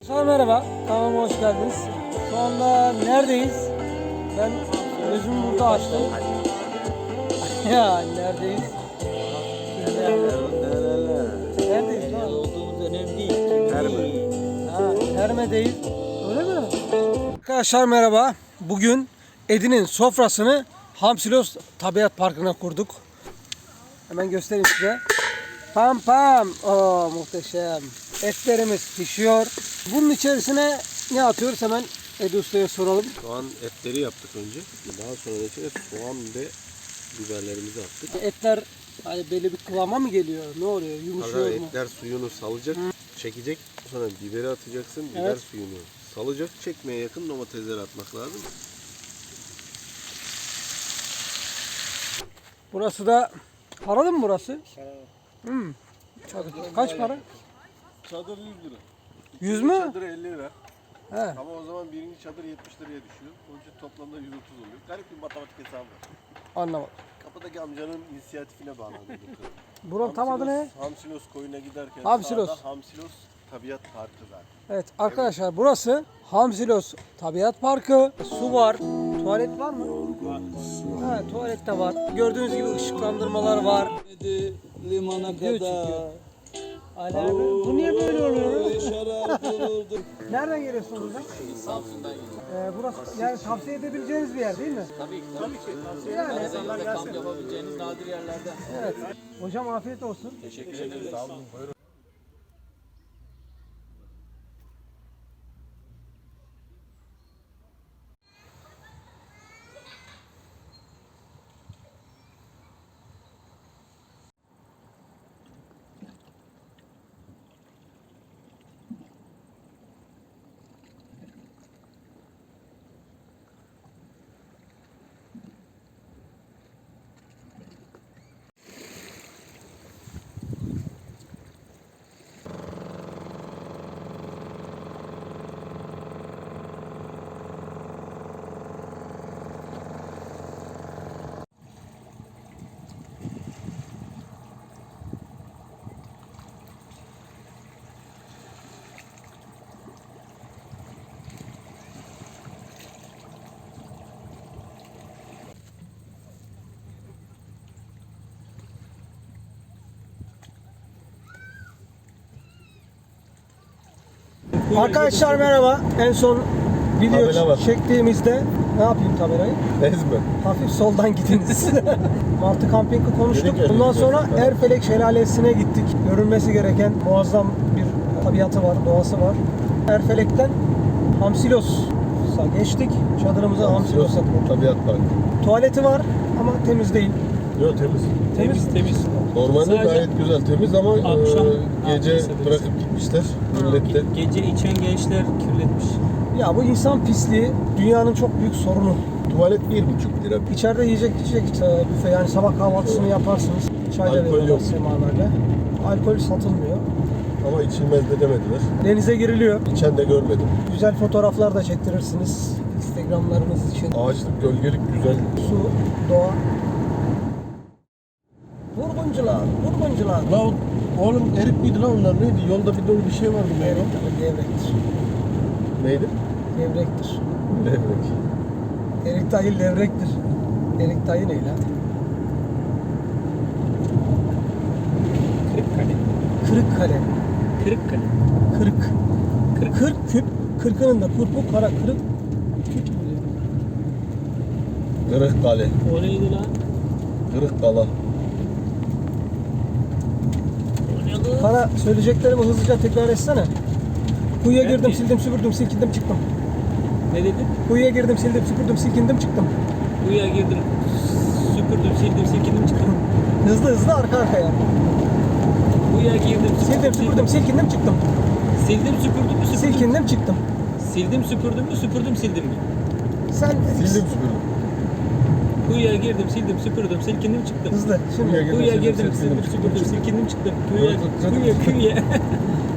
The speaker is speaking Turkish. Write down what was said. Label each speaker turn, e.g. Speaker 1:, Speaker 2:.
Speaker 1: Merhaba, kanalıma hoş geldiniz. Şu anda neredeyiz? Ben gözümü burada açtım. Ya neredeyiz? Neredeyiz lan?
Speaker 2: Olduğumuz önemli değil.
Speaker 1: Terme'deyiz. Öyle mi? Arkadaşlar merhaba. Bugün Edin'in sofrasını Hamsilos Tabiat Parkı'na kurduk. Hemen göstereyim size. Pam pam. Oo, muhteşem. Etlerimiz pişiyor. Bunun içerisine ne atıyoruz hemen Edi Usta'ya soralım.
Speaker 3: Soğan etleri yaptık önce. Daha sonra da içine soğan ve biberlerimizi attık.
Speaker 1: Etler hani belli bir kıvama mı geliyor? Ne oluyor? Yumuşuyor
Speaker 3: Sonra
Speaker 1: mu?
Speaker 3: etler suyunu salacak, çekecek. Sonra biberi atacaksın. Biber
Speaker 1: Evet.
Speaker 3: suyunu salacak. Çekmeye yakın domatesleri atmak lazım.
Speaker 1: Burası da paralı mı burası? Çadır. Kaç para?
Speaker 3: Çadır 100 lira.
Speaker 1: 100 mü?
Speaker 3: Çadır 50 lira.
Speaker 1: He.
Speaker 3: Ama o zaman birinci çadır 70 liraya düşüyor. Onun için toplamda 130 oluyor. Garip bir matematik hesabı var.
Speaker 1: Anlamadım.
Speaker 3: Kapıdaki amcanın inisiyatifine bağlandı bu konu.
Speaker 1: Buranın tam adı ne?
Speaker 3: Hamsilos koyuna giderken
Speaker 1: Hamsilos.
Speaker 3: sağda Hamsilos Tabiat Parkı zaten.
Speaker 1: Evet arkadaşlar burası Hamsilos Tabiat Parkı. Su var. Tuvalet var mı? Var. Ha, tuvalet de var. Gördüğünüz gibi ışıklandırmalar var.
Speaker 2: Limana
Speaker 1: Video
Speaker 2: kadar.
Speaker 1: çekiyor. Ali abi, bu niye böyle oluyor?
Speaker 2: Şarap olurdu.
Speaker 1: Nereden geliyorsunuz buradan?
Speaker 2: Samsun'dan geliyorum.
Speaker 1: Burası yani tavsiye edebileceğiniz bir yer değil mi?
Speaker 2: Tabii ki.
Speaker 1: Yani.
Speaker 2: Karadeniz'de kamp yapabileceğiniz nadir yerlerden.
Speaker 1: Evet. Hocam afiyet olsun.
Speaker 2: Teşekkür ederiz. Sağ olun.
Speaker 1: Arkadaşlar merhaba. En son
Speaker 3: Tabela
Speaker 1: video
Speaker 3: var.
Speaker 1: çektiğimizde ne yapayım tabelayı?
Speaker 3: Ezme.
Speaker 1: Hafif soldan gidiniz. Martı Camping'i konuştuk.
Speaker 3: Dedik ya,
Speaker 1: Bundan
Speaker 3: dedik
Speaker 1: sonra
Speaker 3: ya.
Speaker 1: Erfelek Şelalesi'ne gittik. Görülmesi gereken muazzam bir tabiatı var, doğası var. Erfelek'ten Hamsilos'a geçtik. Çadırımıza Hamsilos'a kurduk.
Speaker 3: Tabiat Parkı.
Speaker 1: Tuvaleti var ama temiz değil.
Speaker 3: Yok temiz.
Speaker 4: Temiz.
Speaker 3: Normalde
Speaker 4: Sadece
Speaker 3: gayet güzel temiz ama
Speaker 4: akşam
Speaker 3: gece
Speaker 4: yapmışlar
Speaker 3: bırakıp gitmişler. Millette.
Speaker 4: Gece içen gençler kirletmiş.
Speaker 1: Ya bu insan pisliği dünyanın çok büyük sorunu.
Speaker 3: Tuvalet 1,5 lira.
Speaker 1: İçeride yiyecek içecek büfe, yani sabah kahvaltısını yaparsınız. Çay da
Speaker 3: Alkol
Speaker 1: veriyorlar
Speaker 3: yok.
Speaker 1: semaverle. Alkol satılmıyor.
Speaker 3: Ama içilmez de demediler.
Speaker 1: Denize giriliyor.
Speaker 3: İçen de görmedim.
Speaker 1: Güzel fotoğraflar da çektirirsiniz Instagram'larınız için.
Speaker 3: Ağaçlık, gölgelik güzel.
Speaker 1: Su, doğa. Vurguncular.
Speaker 3: La oğlum erik miydi lan onlar neydi? Yolda bir dolu bir şey vardı.
Speaker 1: Levrektir.
Speaker 3: Neydi?
Speaker 1: Levrektir.
Speaker 3: Levrek.
Speaker 1: Erik dayı levrektir. Erik dayı ne lan?
Speaker 4: Kırıkkale.
Speaker 1: Kırıkkale.
Speaker 4: Kırıkkale.
Speaker 1: Kırık. 40 küp. Kırkının da kurpu kara kırık. Küp.
Speaker 3: Kırıkkale.
Speaker 4: O neydi lan?
Speaker 3: Kırıkkala.
Speaker 4: O ne lan?
Speaker 1: Bana söyleyeceklerimi hızlıca tekrar etsene. Kuyuya
Speaker 4: Ben
Speaker 1: girdim,
Speaker 4: mi?
Speaker 1: sildim, süpürdüm, silkindim, çıktım.
Speaker 4: Ne dedin?
Speaker 1: Kuyuya girdim, sildim, süpürdüm, silkindim, çıktım.
Speaker 4: Kuyuya girdim. Süpürdüm, sildim, silkindim, çıktım.
Speaker 1: Hızlı arka arkaya.
Speaker 4: Kuyuya girdim,
Speaker 1: Sildim, süpürdüm, silkindim, çıktım.
Speaker 4: Sildim, süpürdüm mü, süpürdüm.
Speaker 1: Silkindim, çıktım.
Speaker 4: Sildim, süpürdüm mü, süpürdüm, sildim mi?
Speaker 1: Sen
Speaker 3: Sildim süpürdüm.
Speaker 4: Kuyuya girdim, sildim, süpürdüm, silkindim, çıktım.
Speaker 1: hızlı. Şimdi
Speaker 3: Kuyuya
Speaker 4: Kuyuya
Speaker 3: girdim,
Speaker 4: girdim,
Speaker 3: sildim,
Speaker 4: sildim, süpürdüm, silkindim, çıktım.
Speaker 3: Kuyuya-
Speaker 4: Kuyuya.